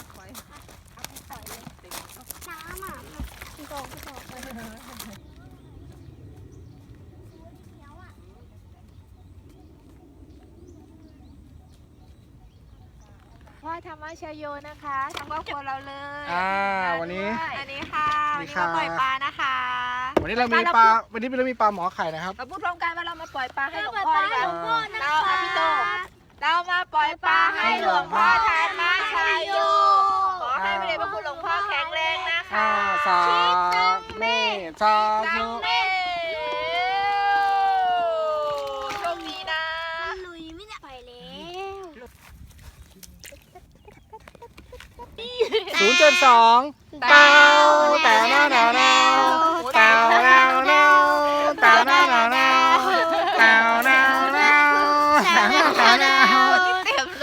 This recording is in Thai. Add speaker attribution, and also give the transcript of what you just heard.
Speaker 1: ปล่อย
Speaker 2: เอาไปปล่อยเลยน้ำอ่ะมันโดนไป
Speaker 3: พ่อธรรมชโยนะคะทั้งครอบครัวเราเลย
Speaker 4: วันนี้
Speaker 3: อันนี้ค่ะ
Speaker 4: สวั
Speaker 3: วัน
Speaker 4: สดี
Speaker 3: นี้
Speaker 4: ครับ
Speaker 3: มาปล่อยปลานะคะ
Speaker 4: วันนี้เรามีปลาหมอไข่นะครับ
Speaker 3: เราพูดพร้อมกันว่าเรามาปล่อยปลาให้หลวง
Speaker 2: ปล่อย
Speaker 3: พ่อ
Speaker 2: ปลา
Speaker 3: ดี
Speaker 2: ให้
Speaker 3: ก
Speaker 2: หลวงพ่อ
Speaker 3: ว่า
Speaker 2: นะ
Speaker 3: เรา
Speaker 2: คะ
Speaker 3: ค่ะพี่โตเรามาปล่อยปลาให้หลวงพ่อธรรมชโยขอให้พระเดชพระคุณหลวงพ่อแข็งแรงนะคะ
Speaker 4: สาเมสา
Speaker 3: ตั
Speaker 4: ธุ
Speaker 3: งเมโชคดีนะ
Speaker 2: มันลุยไม่ได้ปล่อยแล้ว
Speaker 4: 072 8